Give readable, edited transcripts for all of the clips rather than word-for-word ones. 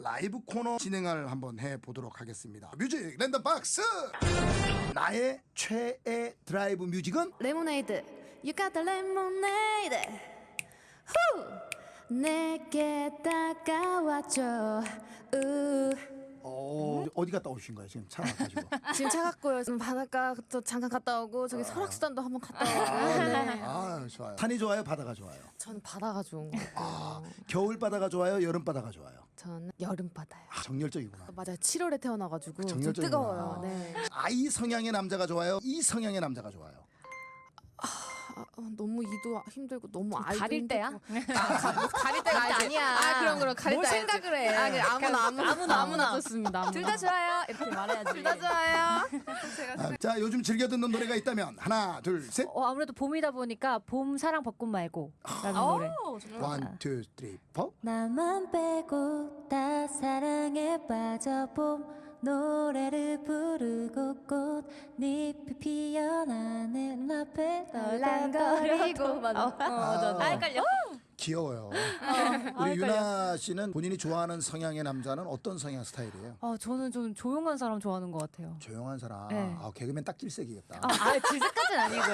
라이브 코너 진행을 한번 해보도록 하겠습니다. 뮤직 랜덤 박스. 나의 최애 드라이브 뮤직은 레모네이드 You got the lemonade 후 내게 다가와줘 어디 갔다 오신 거예요? 지금 차 가지고. 지금 차 갔고요. 지금 바닷가 또 잠깐 갔다 오고 저기 설악수단도 한번 갔다 오고 네. 아, 좋아요. 산이 좋아요? 바다가 좋아요? 저는 바다가 좋은 것 같아요. 겨울 바다가 좋아요? 여름 바다가 좋아요? 저는 여름 바다요. 정열적이구나. 맞아요. 7월에 태어나가지고 좀 정열적이구나. 뜨거워요. 네. I 성향의 남자가 좋아요? E 성향의 남자가 좋아요? 너무 이도 힘들고 너무 아이도 가릴 때야? 힘들고. 가릴 때가 아니야. 그럼 가릴 뭘 때 생각을 해? 아무나 좋습니다. 둘 다 좋아요. 이렇게 말해야지. 둘 다 좋아요. 자, 요즘 즐겨 듣는 노래가 있다면 하나, 둘, 셋. 아무래도 봄이다 보니까 봄 사랑 벚꽃 말고 라는 노래. 원, 투, 쓰리, 포. 나만 빼고 다 사랑에 빠져봄 노래를 부르고 꽃잎이 피어나는 앞에 널랑거리고 맞아. 헷갈려. 귀여워요. 우리 유나 씨는 본인이 좋아하는 성향의 남자는 어떤 성향 스타일이에요? 저는 좀 조용한 사람 좋아하는 것 같아요. 조용한 사람. 네. 개그맨 딱 질색이겠다. 질색까지는 아니고요.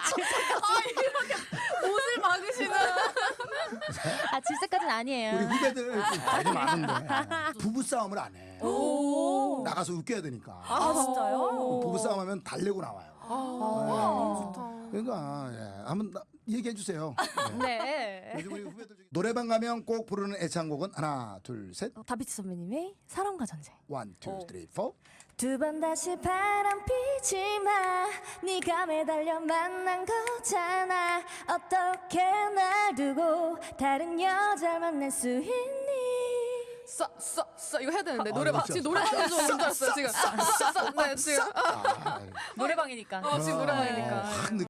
옷을 막으시는. 질색까지는 아니에요. 우리 후배들 되게 많은데 부부 싸움을 안 해. 나가서 웃겨야 되니까. 진짜요? 부부 싸움하면 달래고 나와요. 좋다. 그러니까 한번 얘기해 주세요. 네. 네. 요즘 우리 후배들 중에 노래방 가면 꼭 부르는 애창곡은 하나, 둘, 셋. 다비치 선배님의 사랑과 전쟁 원, 투, 쓰리, 포. 두 번 다시 바람 피지 마 네가 매달려 만난 거잖아 어떻게 날 두고 다른 여자를 만날 수 있니 싸 이거 해야 되는데 그렇죠. 지금 노래방에서 오는 줄 알았어요 지금. 네 지금. 노래방이니까. 지금 노래방이니까. 확